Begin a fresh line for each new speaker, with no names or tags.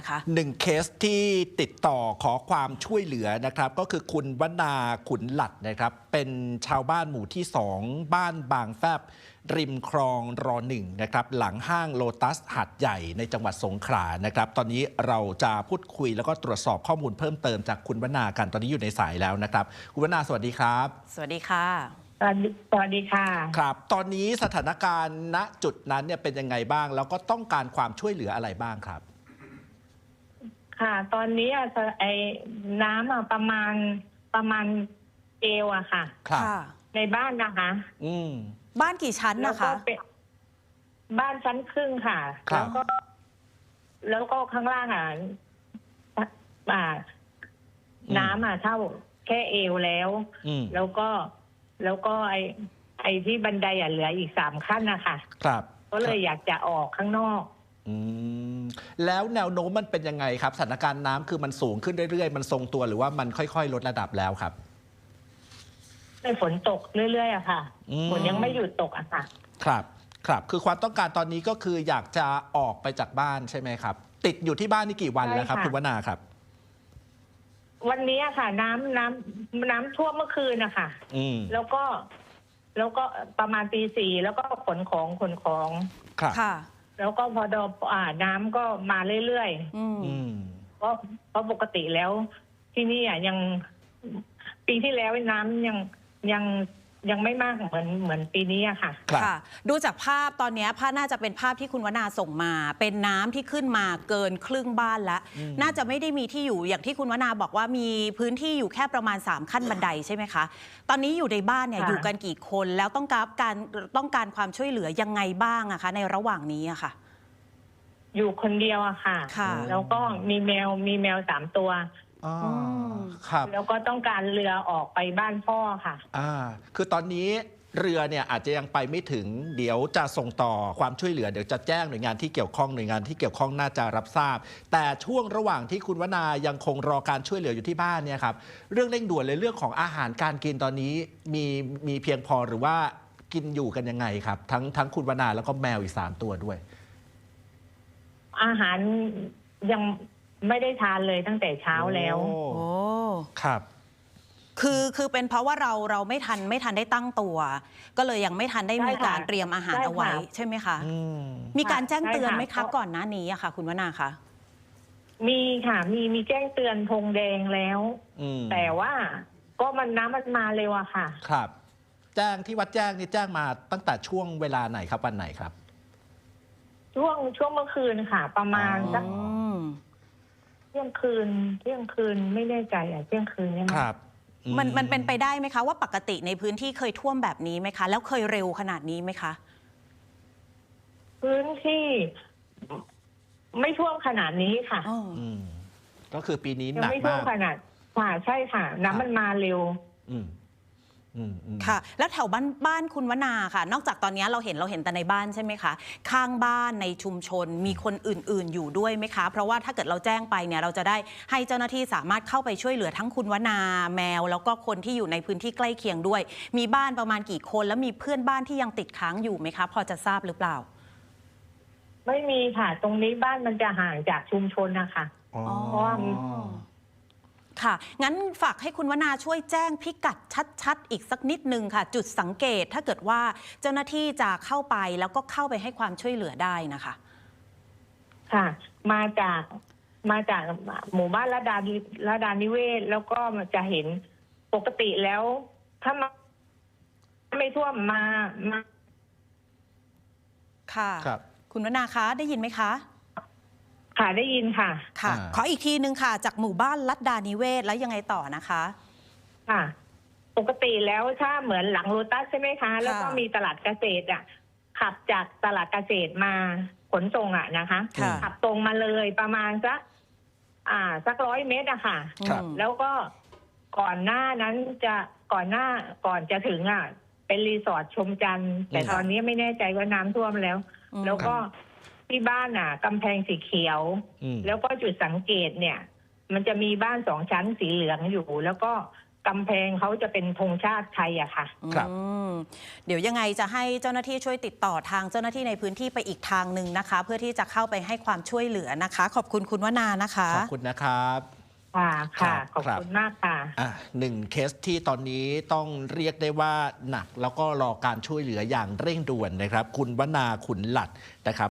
คะ
1 เคสที่ติดต่อขอความช่วยเหลือนะครับก็คือคุณวนาขุนหลัดนะครับเป็นชาวบ้านหมู่ที่ 2 บ้านบางแฟบริมคลองร.1 นะครับหลังห้างโลตัสหาดใหญ่ในจังหวัดสงขลานะครับตอนนี้เราจะพูดคุยแล้วก็ตรวจสอบข้อมูลเพิ่มเติมจากคุณวนากันตอนนี้อยู่ในสายแล้วนะครับคุณวนาสวัสดีครับ
สวัสดีค่ะ
สวัสดีค่ะ
ครับตอนนี้สถานการณ์ณจุดนั้นเนี่ยเป็นยังไงบ้างแล้วก็ต้องการความช่วยเหลืออะไรบ้างครับ
ค่ะตอนนี้ไอ้น้ำประมาณเอวอะค่ะ
ครับ
ในบ้านนะคะ
บ้านกี่ชั้นนะคะ
บ้านชั้นครึ่งค่ะแล้วก็ข้างล่างน้ำเท่าแค่เอวแล้วก็ไอ้ที่บันไดเหลืออีก3 ขั้นนะคะ
ครับ
ก็เลยอยากจะออกข้างนอก
แล้วแนวโน้มมันเป็นยังไงครับสถานการณ์น้ำคือมันสูงขึ้นเรื่อยๆมันทรงตัวหรือว่ามันค่อยๆลดระดับแล้วครับ
ฝนตกเรื่อยๆอะค่ะฝนยังไม่หยุดตกอะค่ะ
ครับคือความต้องการตอนนี้ก็คืออยากจะออกไปจากบ้านใช่ไหมครับติดอยู่ที่บ้านนี่กี่วันแล้วครับคุณวนาครับ
วันนี้ค่ะน้ำท่วมเมื่อคืนนะคะแล้วก็ประมาณตี 4แล้วก็ขนของ
ค่ะ
แล้วก็พอน้ำก็มาเรื่อยๆเพราะปกติแล้วที่นี่ยังปีที่แล้วน้ำยังไม่มากเหมือนปีนี้อะค่ะ
ค่ะดูจากภาพตอนนี้ภาพน่าจะเป็นภาพที่คุณวนาส่งมาเป็นน้ำที่ขึ้นมาเกินครึ่งบ้านแล้วน่าจะไม่ได้มีที่อยู่อย่างที่คุณวนาบอกว่ามีพื้นที่อยู่แค่ประมาณ3 ขั้นบันไดใช่ไหมคะตอนนี้อยู่ในบ้านเนี่ยอยู่กันกี่คนแล้วต้องการความช่วยเหลือยังไงบ้างอะคะในระหว่างนี้อะค่ะ
อยู่คนเดียวอะค่ะแล้วก็มีแมว3 ตัว
ครับ
แล้วก็ต้องการเรือออกไปบ้านพ่อค่ะ
คือตอนนี้เรือเนี่ยอาจจะยังไปไม่ถึงเดี๋ยวจะส่งต่อความช่วยเหลือเดี๋ยวจะแจ้งหน่วยงานที่เกี่ยวข้องน่าจะรับทราบแต่ช่วงระหว่างที่คุณวนายังคงรอการช่วยเหลืออยู่ที่บ้านเนี่ยครับเรื่องเร่งด่วนเลยเรื่องของอาหารการกินตอนนี้มีเพียงพอหรือว่ากินอยู่กันยังไงครับทั้งคุณวนาแล้วก็แมวอีก3 ตัวด้วย
อาหารยังไม่ได้ทานเลยตั้งแต่เช้าแล้ว
โอ้
ครับ
คือเป็นเพราะว่าเราไม่ทันได้ตั้งตัวก็เลยยังไม่ทันได้มีการเตรียมอาหารเอาไว้ใช่ไหมคะมีการแจ้งเตือนไหมคะก่อนหน้านี้อะค่ะคุณวนาคะ
มีค่ะมีแจ้งเตือนธงแดงแล้วแต่ว่าก็น้ำมันมาเร็วอะค่ะ
ครับแจ้งที่วัดแจ้งนี่แจ้งมาตั้งแต่ช่วงเวลาไหนครับวันไหนครับ
ช่วงเมื่อคืนค่ะประมาณสักเที่ยงคืนไม่แน่ใจเที่ยงคืนใช่ไหม
ครับ
มันเป็นไปได้ไหมคะว่าปกติในพื้นที่เคยท่วมแบบนี้ไหมคะแล้วเคยเร็วขนาดนี้ไหมคะ
พื้นที่ไม่ท่วมขนาดนี้ค่ะ
ก็คือปีนี้หนักมาก
ไม่ท่วมขนาดค่ะใช่ค่ะน้ำมันมาเร็ว
ค่ะแล้วแถวบ้านคุณวนาค่ะนอกจากตอนนี้เราเห็นแต่ในบ้านใช่ไหมคะข้างบ้านในชุมชนมีคนอื่นๆอยู่ด้วยไหมคะเพราะว่าถ้าเกิดเราแจ้งไปเนี่ยเราจะได้ให้เจ้าหน้าที่สามารถเข้าไปช่วยเหลือทั้งคุณวนาแมวแล้วก็คนที่อยู่ในพื้นที่ใกล้เคียงด้วยมีบ้านประมาณกี่คนแล้วมีเพื่อนบ้านที่ยังติดค้างอยู่ไหมคะพอจะทราบหรือเปล่า
ไม่มีค่ะตรงนี้บ้านมันจะห่างจากชุมชนนะคะเพราะว่า
ค่ะงั้นฝากให้คุณวนาช่วยแจ้งพิกัดชัดๆอีกสักนิดนึงค่ะจุดสังเกตถ้าเกิดว่าเจ้าหน้าที่จะเข้าไปแล้วก็เข้าไปให้ความช่วยเหลือได้นะคะ
ค่ะมาจากหมู่บ้านระดานิเวศแล้วก็จะเห็นปกติแล้วถ้าไม่ท่วมมา
ค่ะคุณวนาคะได้ยินไหมคะ
ค่ะได้ยินค่ะ
ค่ะขออีกทีนึงค่ะจากหมู่บ้านลัดดานิเวศแล้วยังไงต่อนะคะ
ค่ะปกติแล้วถ้าเหมือนหลังโลตัสใช่ไหมคะแล้วก็มีตลาดเกษตรขับจากตลาดเกษตรมาขนส่งนะคะขับตรงมาเลยประมาณสัก100 เมตรอะค่ะแล้วก็ก่อนหน้านั้นก่อนจะถึงเป็นรีสอร์ทชมจันทร์แต่ตอนนี้ไม่แน่ใจว่าน้ำท่วมแล้วก็ที่บ้านกำแพงสีเขียวแล้วก็จุดสังเกตเนี่ยมันจะมีบ้าน2 ชั้นสีเหลืองอยู่แล้วก็กำแพงเขาจะเป็นธงชาติไทยอะค่ะ
ครับ
เดี๋ยวยังไงจะให้เจ้าหน้าที่ช่วยติดต่อทางเจ้าหน้าที่ในพื้นที่ไปอีกทางหนึ่งนะคะ เพื่อที่จะเข้าไปให้ความช่วยเหลือนะคะ ขอบคุณคุณวนานะคะ
ขอบคุณนะครับ
ค่ะค่ะ
ครับ
ขอบคุณมากค่ะ
หนึ่งเคสที่ตอนนี้ต้องเรียกได้ว่าหนักแล้วก็รอการช่วยเหลืออย่างเร่งด่วนนะครับ คุณวนาขุนหลัดนะครับ